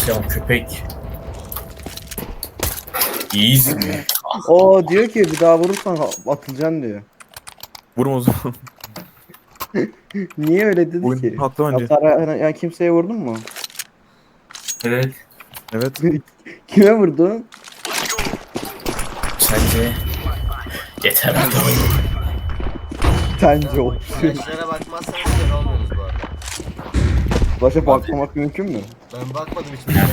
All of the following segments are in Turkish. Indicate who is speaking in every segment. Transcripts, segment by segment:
Speaker 1: Sen köpek. İyiyiz mi?
Speaker 2: O diyor ki bir daha vurursan atılacaksın diyor.
Speaker 3: Vurma o zaman.
Speaker 2: Niye öyle dedi
Speaker 3: Oyun
Speaker 2: ki?
Speaker 3: haklı bence.
Speaker 2: Hasar yani kimseye vurdun mu?
Speaker 1: Evet.
Speaker 3: Evet.
Speaker 2: Kime vurdun?
Speaker 1: Sence yeter hadi oyun.
Speaker 2: Sence o.
Speaker 4: Flashlara bakmazsanız kör olmuyorsunuz bu arada.
Speaker 2: Başa bakmamak mümkün mü?
Speaker 4: Ben bakmadım hiçbir şeye.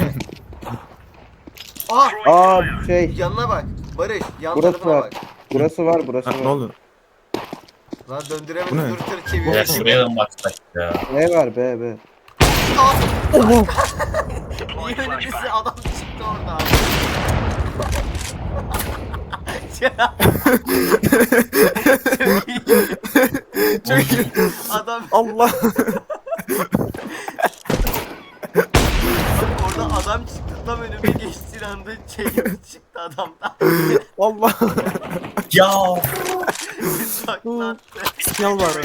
Speaker 4: Aa!
Speaker 2: Aa şey.
Speaker 4: Yanına bak. Barış, yan
Speaker 2: Burası
Speaker 4: tarafına
Speaker 2: var.
Speaker 4: bak.
Speaker 2: Burası var, burası
Speaker 3: Ha, ne
Speaker 2: var.
Speaker 3: oldu?
Speaker 4: Lan
Speaker 3: Bu
Speaker 4: döndüremedim,
Speaker 3: ne?
Speaker 4: dur tır
Speaker 1: Ya
Speaker 4: çeviriyor.
Speaker 1: şuraya da mı baksak ya?
Speaker 2: B var, B, B.
Speaker 4: Niye önümüzde adam çıktı orada?
Speaker 3: Çok iyi.
Speaker 4: Adam
Speaker 3: Allah.
Speaker 4: orada adam çıktı, tam önüme geçtiği anda çıktı adamdan.
Speaker 3: Allah.
Speaker 1: Ya
Speaker 4: Saklattı.
Speaker 3: Sinyal var.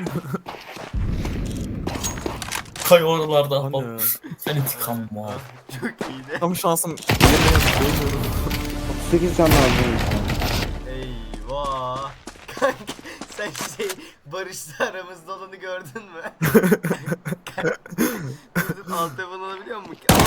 Speaker 1: kay oralarda.
Speaker 3: O ne?
Speaker 1: Sen intikam mı?
Speaker 4: Çok iyiydi.
Speaker 3: Tam şansım yerine yazıp
Speaker 2: 38 can lazım.
Speaker 4: Eyvah. Kanka sen Barış'la aramızda olanı gördün mü? Dur alt level alabiliyor musun?